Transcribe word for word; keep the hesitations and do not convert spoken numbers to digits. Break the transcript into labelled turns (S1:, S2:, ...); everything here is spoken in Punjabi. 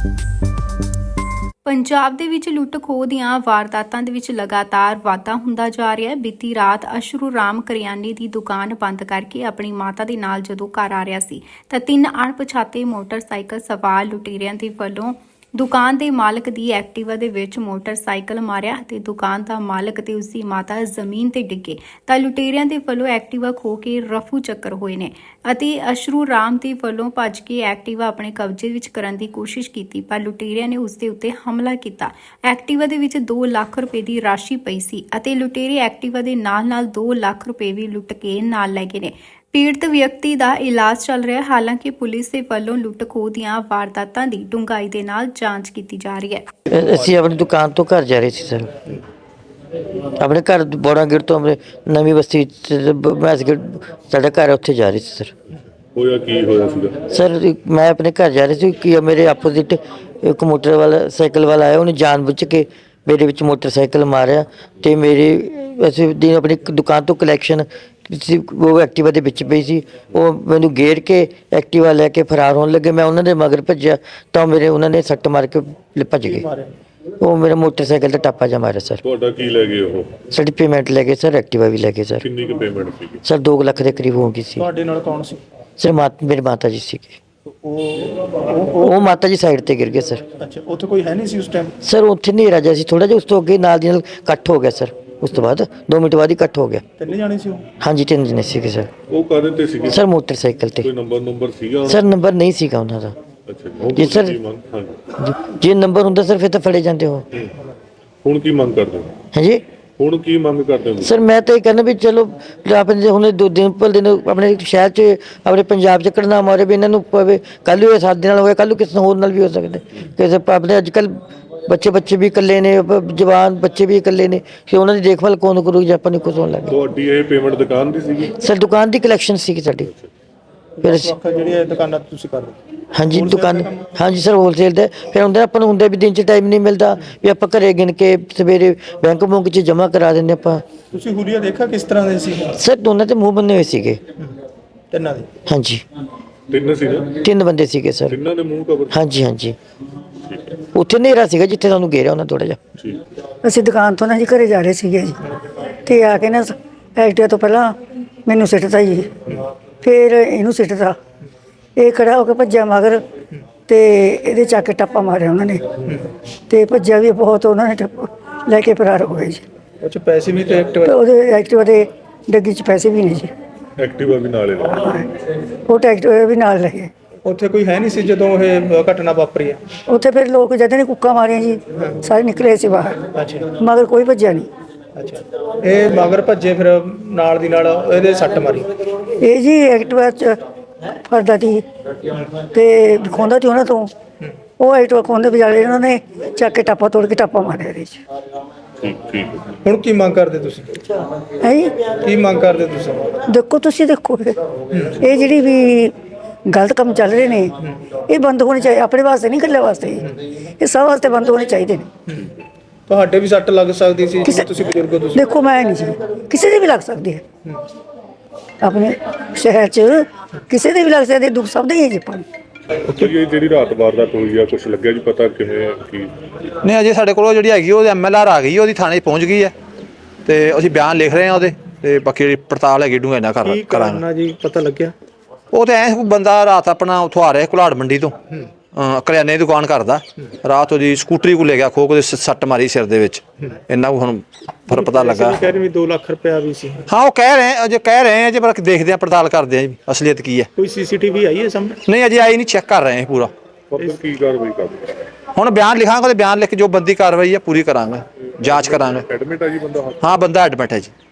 S1: ਪੰਜਾਬ ਦੇ ਵਿੱਚ ਲੁੱਟ ਖੋਹ ਦੀਆਂ ਵਾਰਦਾਤਾਂ ਦੇ ਵਿੱਚ ਲਗਾਤਾਰ ਵਾਧਾ ਹੁੰਦਾ ਜਾ ਰਿਹਾ ਹੈ। ਬੀਤੀ ਰਾਤ ਅਸ਼ਰੂ ਰਾਮ ਕਰਿਆਨੇ ਦੀ ਦੁਕਾਨ ਬੰਦ ਕਰਕੇ ਆਪਣੀ ਮਾਤਾ ਦੇ ਨਾਲ ਜਦੋਂ ਘਰ ਆ ਰਿਹਾ ਸੀ ਤਾਂ ਤਿੰਨ ਅਣਪਛਾਤੇ ਮੋਟਰਸਾਈਕਲ ਸਵਾਰ ਲੁਟੇਰਿਆਂ ਦੇ ਵੱਲੋਂ ਦੁਕਾਨ ਦੇ ਮਾਲਕ ਦੀ ਐਕਟਿਵਾ ਦੇ ਵਿੱਚ ਮੋਟਰਸਾਈਕਲ ਮਾਰਿਆ ਤੇ ਦੁਕਾਨ ਦਾ ਮਾਲਕ ਤੇ ਉਸਦੀ ਮਾਤਾ ਜ਼ਮੀਨ ਤੇ ਡਿੱਗੇ ਤਾਂ ਲੁਟੇਰਿਆਂ ਦੇ ਵੱਲੋਂ ਐਕਟਿਵਾ ਖੋਹ ਕੇ ਰਫੂ ਚੱਕਰ ਹੋਏ ਨੇ ਅਤੇ ਅਸ਼ਰੂ ਰਾਮ ਦੇ ਵੱਲੋਂ ਭੱਜ ਕੇ ਐਕਟਿਵਾ ਆਪਣੇ ਕਬਜ਼ੇ ਵਿੱਚ ਕਰਨ ਦੀ ਕੋਸ਼ਿਸ਼ ਕੀਤੀ ਪਰ ਲੁਟੇਰਿਆਂ ਨੇ ਉਸ ਦੇ ਉੱਤੇ ਹਮਲਾ ਕੀਤਾ। ਐਕਟਿਵਾ ਦੇ ਵਿੱਚ ਦੋ ਲੱਖ ਰੁਪਏ ਦੀ ਰਾਸ਼ੀ ਪਈ ਸੀ ਅਤੇ ਲੁਟੇਰੇ ਐਕਟਿਵਾ ਦੇ ਨਾਲ-ਨਾਲ ਦੋ ਲੱਖ ਰੁਪਏ ਵੀ ਲੁੱਟ ਕੇ ਨਾਲ ਲੈ ਗਏ ਨੇ। ਪੀੜਤ ਵਿਅਕਤੀ ਦਾ ਇਲਾਜ ਚੱਲ ਰਿਹਾ ਹੈ। ਹਾਲਾਂਕਿ ਪੁਲਿਸ ਦੇ ਵੱਲੋਂ ਲੁੱਟ ਖੋਹ ਦੀਆਂ ਵਾਰਦਾਤਾਂ ਦੀ ਡੂੰਘਾਈ ਦੇ ਨਾਲ ਜਾਂਚ ਕੀਤੀ ਜਾ ਰਹੀ ਹੈ।
S2: ਅਸੀਂ ਆਪਣੀ ਦੁਕਾਨ ਤੋਂ ਘਰ ਜਾ ਰਹੇ ਸੀ ਸਰ, ਆਪਣੇ ਘਰ ਬੋੜਾ ਗੇਟ ਤੋਂ ਆਪਣੇ ਨਵੀਂ ਬਸਤੀ ਮੈਸਗੇਟ ਸਾਡਾ ਘਰ ਉੱਥੇ ਜਾ ਰਹੇ ਸੀ ਸਰ।
S3: ਹੋਇਆ ਕੀ ਹੋਇਆ ਸੀਗਾ
S2: ਸਰ? ਮੈਂ ਆਪਣੇ ਘਰ ਜਾ ਰਹੀ ਸੀ ਕਿ ਮੇਰੇ ਆਪੋਜ਼ਿਟ ਇੱਕ ਮੋਟਰ ਵਾਲਾ ਸਾਈਕਲ ਵਾਲਾ ਆਇਆ, ਉਹਨੇ ਜਾਣਬੁੱਝ ਕੇ ਮੇਰੇ ਵਿੱਚ ਮੋਟਰਸਾਈਕਲ ਮਾਰਿਆ ਤੇ ਮੇਰੇ ਅਸੀਂ ਦਿਨ ਆਪਣੀ ਦੁਕਾਨ ਤੋਂ ਕਲੈਕਸ਼ਨ ਉਹ ਐਕਟਿਵਾ ਦੇ ਵਿੱਚ ਪਈ ਸੀ, ਉਹ ਮੈਨੂੰ ਗੇਰ ਕੇ ਐਕਟਿਵਾ ਲੈ ਕੇ ਫਰਾਰ ਹੋਣ ਲੱਗੇ। ਮੈਂ ਉਹਨਾਂ ਦੇ ਮਗਰ ਭੱਜਿਆ ਤਾਂ ਮੇਰੇ ਉਹਨਾਂ ਨੇ ਸੱਟ ਮਾਰ ਕੇ ਭੱਜ ਗਏ। ਉਹ ਮੇਰਾ ਮੋਟਰਸਾਈਕਲ ਦਾ ਟਾਪਾ ਜਾ ਮਾਰਿਆ ਸਰ।
S3: ਤੁਹਾਡਾ ਕੀ ਲੈ ਗਏ ਉਹ?
S2: ਸਾਡੀ ਪੇਮੈਂਟ ਲੈ ਗਏ ਸਰ, ਐਕਟਿਵਾ ਵੀ ਲੈ ਗਏ ਸਰ।
S3: ਕਿੰਨੀ ਕੁ ਪੇਮੈਂਟ ਸੀਗੀ
S2: ਸਰ? ਦੋ ਲੱਖ ਦੇ ਕਰੀਬ ਹੋ ਗਈ ਸੀ।
S4: ਤੁਹਾਡੇ ਨਾਲ ਕੌਣ ਸੀ
S2: ਸਰ? ਮਾਤ ਮੇਰੀ ਮਾਤਾ ਜੀ ਸੀਗੇ।
S4: ਉਹ
S2: ਉਹ ਮਾਤਾ ਜੀ ਸਾਈਡ ਤੇ ਗਿਰ ਗਏ ਸਰ।
S4: ਅੱਛਾ, ਉੱਥੇ ਕੋਈ ਹੈ ਨਹੀਂ ਸੀ ਉਸ ਟਾਈਮ?
S2: ਸਰ ਉੱਥੇ ਹਨੇਰਾ ਜਿਹਾ ਸੀ ਥੋੜਾ ਜਿਹਾ, ਉਸ ਤੋਂ ਅੱਗੇ ਨਾਲ ਦੀ ਨਾਲ ਇਕੱਠ ਹੋ ਗਿਆ ਸਰ। ਉਸ ਤੋਂ ਬਾਅਦ ਦੋ ਮਿੰਟ ਬਾਅਦ ਹੀ ਇਕੱਠ ਹੋ ਗਿਆ।
S4: ਤਿੰਨੇ ਜਾਣੇ ਸੀ ਉਹ?
S2: ਹਾਂਜੀ ਤਿੰਨ ਜਣੇ ਸੀਗੇ ਸਰ।
S3: ਉਹ ਕਾਹਦੇ ਤੇ ਸੀਗੇ
S2: ਸਰ ਮੋਟਰਸਾਈਕਲ ਤੇ।
S3: ਕੋਈ ਨੰਬਰ ਨੰਬਰ ਸੀਗਾ?
S2: ਸਰ ਨੰਬਰ ਨਹੀਂ ਸੀਗਾ ਉਹਨਾਂ ਦਾ।
S3: ਅੱਛਾ
S2: ਜੀ ਸਰ,
S3: ਹਾਂਜੀ।
S2: ਜੇ ਨੰਬਰ ਹੁੰਦਾ ਸਰ ਫਿਰ ਤਾਂ ਫੜੇ ਜਾਂਦੇ ਹੋ।
S3: ਹੁਣ ਕੀ ਮੰਗ ਕਰਦੇ ਹੋ?
S2: ਹਾਂਜੀ
S3: ਹੁਣ ਕੀ ਮੰਗ ਕਰਦੇ ਹੋ
S2: ਸਰ? ਮੈਂ ਤਾਂ ਇਹ ਕਹਿੰਦਾ ਵੀ ਚਲੋ ਆਪਣੇ ਹੁਣ ਦੋ ਦਿਨ ਪਰ ਦਿਨ ਆਪਣੇ ਸ਼ਹਿਰ 'ਚ ਆਪਣੇ ਪੰਜਾਬ 'ਚ ਘਟਨਾ ਮਾਰੇ ਵੀ ਇਹਨਾਂ ਨੂੰ ਪਵੇ। ਕੱਲ੍ਹ ਹੋਇਆ ਸਾਡੇ ਨਾਲ ਹੋਇਆ, ਕੱਲ੍ਹ ਨੂੰ ਕਿਸੇ ਹੋਰ ਨਾਲ ਵੀ ਹੋ ਸਕਦਾ। ਕਿਸੇ ਆਪਣੇ ਅੱਜ ਕੱਲ੍ਹ ਬੱਚੇ ਬੱਚੇ ਵੀ ਇਕੱਲੇ ਨੇ, ਜਵਾਨ ਬੱਚੇ ਵੀ ਇਕੱਲੇ ਨੇ, ਫਿਰ ਉਹਨਾਂ ਦੀ ਦੇਖਭਾਲ ਕੌਣ ਕਰੂ ਜੇ ਆਪਾਂ ਨੂੰ ਕੁਝ ਹੋਣ ਲੱਗੇ।
S3: ਤੁਹਾਡੀ ਇਹ ਪੇਮੈਂਟ ਦੁਕਾਨ ਦੀ ਸੀਗੀ?
S2: ਸਰ ਦੁਕਾਨ ਦੀ ਕਲੈਕਸ਼ਨ ਸੀਗੀ ਸਾਡੀ। ਫਿਰ ਅਸੀਂ
S4: ਜਿਹੜੀ ਇਹ ਦੁਕਾਨਾਂ ਤੁਸੀਂ ਕਰਦੇ?
S2: ਹਾਂਜੀ ਦੁਕਾਨ, ਹਾਂਜੀ ਸਰ ਹੋਲਸੇਲ ਦਾ। ਫਿਰ ਹੁੰਦਾ ਆਪਾਂ ਨੂੰ ਹੁੰਦਾ ਵੀ ਦਿਨ 'ਚ ਟਾਈਮ ਨਹੀਂ ਮਿਲਦਾ ਵੀ ਆਪਾਂ ਘਰੇ ਗਿਣ ਕੇ ਸਵੇਰੇ ਬੈਂਕ ਬੁੰਕ 'ਚ ਜਮ੍ਹਾਂ ਕਰਾ ਦਿੰਦੇ ਆਪਾਂ।
S4: ਤੁਸੀਂ ਹੁਲੀਆ ਦੇਖਿਆ ਕਿਸ ਤਰ੍ਹਾਂ ਦੇ ਸੀ?
S2: ਸਰ ਦੋਨਾਂ ਤੇ ਮੂੰਹ ਬੰਨੇ ਹੋਏ ਸੀਗੇ।
S4: ਤਿੰਨਾਂ ਦੇ?
S2: ਹਾਂਜੀ
S3: ਤਿੰਨ ਸੀ ਨਾ?
S2: ਤਿੰਨ ਬੰਦੇ ਸੀਗੇ ਸਰ।
S3: ਤਿੰਨਾਂ ਦੇ ਮੂੰਹ ਕਵਰ?
S2: ਹਾਂਜੀ ਹਾਂਜੀ। ਉੱਥੇ ਹਨੇਰਾ ਸੀਗਾ ਜਿੱਥੇ ਸਾਨੂੰ ਘੇਰਿਆ ਉਹਨਾਂ ਥੋੜਾ ਜਿਹਾ।
S3: ਠੀਕ।
S5: ਅਸੀਂ ਦੁਕਾਨ ਤੋਂ ਨਾ ਜੀ ਘਰੇ ਜਾ ਰਹੇ ਸੀਗੇ ਜੀ, ਤੇ ਆ ਕੇ ਨਾ ਐਕਟਿਵਾ ਤੋਂ ਪਹਿਲਾਂ ਮੈਨੂੰ ਸਿੱਟਤਾ ਜੀ, ਫਿਰ ਇਹਨੂੰ ਸਿੱਟਤਾ। ਇਹ ਖੜਾ ਹੋ ਕੇ ਭੱਜਿਆ ਮਗਰ ਤੇ ਇਹਦੇ ਚੱਕ ਕੇ ਟੱਪਾ ਮਾਰਿਆ ਉਹਨਾਂ ਨੇ ਤੇ ਭੱਜਿਆ ਵੀ ਬਹੁਤ, ਉਹਨਾਂ ਨੇ ਟੱਪ ਲੈ ਕੇ ਫਰਾਰ ਹੋ ਗਏ ਜੀ।
S4: ਉਹ 'ਚ ਪੈਸੇ ਵੀ ਤੇ
S5: ਤੇ
S4: ਐਕਟਿਵਾ?
S5: ਉਹਦੇ ਐਕਟਿਵਾ ਦੇ ਡੱਗੀ 'ਚ ਪੈਸੇ ਵੀ ਨਹੀਂ ਜੀ।
S3: ਐਕਟਿਵਾ ਵੀ ਨਾਲੇ ਲਾ?
S5: ਉਹ ਐਕਟਿਵਾ ਵੀ ਨਾਲ ਲੈ ਗਏ।
S4: ਉੱਥੇ ਕੋਈ ਹੈ ਨਹੀਂ ਸੀ ਜਦੋਂ ਇਹ ਘਟਨਾ ਵਾਪਰੀ ਹੈ?
S5: ਉੱਥੇ ਫਿਰ ਲੋਕ ਜਦ ਨੇ ਕੁੱਕਾਂ ਮਾਰੀਆਂ ਜੀ, ਸਾਰੇ ਨਿਕਲੇ ਸੀ ਬਾਹਰ,
S4: ਅੱਛਾ
S5: ਮਗਰ ਕੋਈ ਭੱਜਿਆ ਨਹੀਂ।
S4: ਅੱਛਾ, ਇਹ ਮਗਰ ਭੱਜੇ ਫਿਰ ਨਾਲ ਦੀ ਨਾਲ ਇਹਦੇ ਸੱਟ ਮਾਰੀ?
S5: ਇਹ ਜੀ ਐਕਟਿਵਾ 'ਚ ਫਰਦਾ ਸੀ ਤੇ ਖੋਂਦਾ ਸੀ ਉਹਨਾਂ ਤੋਂ, ਉਹ ਐਕਟਿਵਾ ਖੋਂਦੇ ਵਿਚਾਲੇ ਉਹਨਾਂ ਨੇ ਚੱਕ ਕੇ ਟਾਪਾ ਤੋੜ ਕੇ ਟਾਪਾ ਮਾਰਿਆ ਇਹਦੇ 'ਚ।
S3: ਠੀਕ ਠੀਕ।
S4: ਹੁਣ ਕੀ ਮੰਗ ਕਰਦੇ ਤੁਸੀਂ?
S5: ਹੈ ਜੀ
S4: ਕੀ ਮੰਗ ਕਰਦੇ ਤੁਸੀਂ?
S5: ਦੇਖੋ ਤੁਸੀਂ ਦੇਖੋ ਇਹ ਜਿਹੜੀ ਵੀ ਗਲਤ ਕੰਮ ਚੱਲ ਰਹੇ ਨੇ ਇਹ ਬੰਦ ਹੋਣੇ ਚਾਹੀਦੇ। ਆਪਣੇ ਵਾਸਤੇ ਨਹੀਂ, ਇਕੱਲੇ ਵਾਸਤੇ, ਇਹ ਸਭ ਵਾਸਤੇ ਬੰਦ ਹੋਣੇ ਚਾਹੀਦੇ ਨੇ।
S4: ਤੁਹਾਡੇ ਵੀ ਸੱਟ ਲੱਗ ਸਕਦੀ ਸੀ, ਤੁਸੀਂ ਬਜ਼ੁਰਗ ਹੋ। ਤੁਸੀਂ
S5: ਦੇਖੋ ਮੈਂ ਨਹੀਂ ਜੀ, ਕਿਸੇ ਦੇ ਵੀ ਲੱਗ ਸਕਦੀ ਹੈ। ਆਪਣੇ ਸ਼ਹਿਰ 'ਚ ਕਿਸੇ ਦੇ ਵੀ ਲੱਗ ਸਕਦੇ, ਦੁੱਖ ਸਭ ਦੇ ਹੀ ਹੈ ਜੀ ਆਪਾਂ ਨੂੰ।
S3: ਉੱਥੇ ਜਿਹੜੀ ਰਾਤ ਵਾਰਦਾਤ ਹੋਈ ਆ, ਕੁਝ ਲੱਗਿਆ ਜੀ ਪਤਾ ਕਿਵੇਂ ਕੀ?
S6: ਨਹੀਂ ਅਜੇ ਸਾਡੇ ਕੋਲ ਜਿਹੜੀ ਹੈਗੀ ਉਹ ਐਮ ਐਲ ਆਰ ਆ ਗਈ, ਉਹਦੀ ਥਾਣੇ ਪਹੁੰਚ ਗਈ ਹੈ ਤੇ ਅਸੀਂ ਬਿਆਨ ਲਿਖ ਰਹੇ ਹਾਂ ਉਹਦੇ, ਤੇ ਬਾਕੀ ਜਿਹੜੀ ਪੜਤਾਲ ਹੈਗੀ ਡੂੰਘਾਈ ਨਾਲ ਕਰ ਕਰਾਂਗੇ
S4: ਜੀ। ਪਤਾ ਲੱਗਿਆ
S6: ਉਹ ਤੇ ਐ ਬੰਦਾ ਰਾਤ ਆਪਣਾ ਉੱਥੋਂ ਆ ਰਿਹਾ ਘੁਲਾੜ ਮੰਡੀ ਤੋਂ, ਕਰਿਆਨੇ ਦੀ ਦੁਕਾਨ ਕਰਦਾ, ਰਾਤ ਉਹਦੀ ਸਕੂਟਰੀ ਕੋਲ ਲੈ ਗਿਆ ਖੋ ਕੇ ਸੱਟ ਮਾਰੀ ਸਿਰ ਦੇ ਵਿੱਚ। ਇੰਨਾ ਕੁ ਹੁਣ ਫਿਰ ਪਤਾ ਲੱਗਾ।
S4: ਕਹਿ ਰਹੇ ਵੀ ਦੋ ਲੱਖ ਰੁਪਇਆ ਵੀ ਸੀ।
S6: ਹਾਂ ਉਹ ਕਹਿ ਰਹੇ ਅਜੇ ਕਹਿ ਰਹੇ ਆ, ਜੇ ਪਰ ਦੇਖਦੇ ਆ ਪੜਤਾਲ ਕਰਦੇ ਆ ਜੀ ਅਸਲੀਅਤ ਕੀ ਹੈ।
S4: ਕੋਈ ਸੀਸੀਟੀਵੀ ਆਈ ਹੈ ਸਾਹਮਣੇ?
S6: ਨਹੀਂ ਅਜੇ ਆਈ ਨਹੀਂ, ਚੈੱਕ ਕਰ ਰਹੇ ਆ ਪੂਰਾ।
S3: ਕੀ ਕਾਰਵਾਈ ਕਰਦੇ?
S6: ਹੁਣ ਬਿਆਨ ਲਿਖਾਂਗੇ ਤੇ ਬਿਆਨ ਲਿਖ ਕੇ ਜੋ ਬੰਦੀ ਕਾਰਵਾਈ ਹੈ ਪੂਰੀ ਕਰਾਂਗੇ, ਜਾਂਚ ਕਰਾਂਗੇ।
S3: ਐਡਮਿਟ ਆ ਜੀ ਬੰਦਾ?
S6: ਹਾਂ ਬੰਦਾ ਐਡਮਿਟ ਹੈ ਜੀ।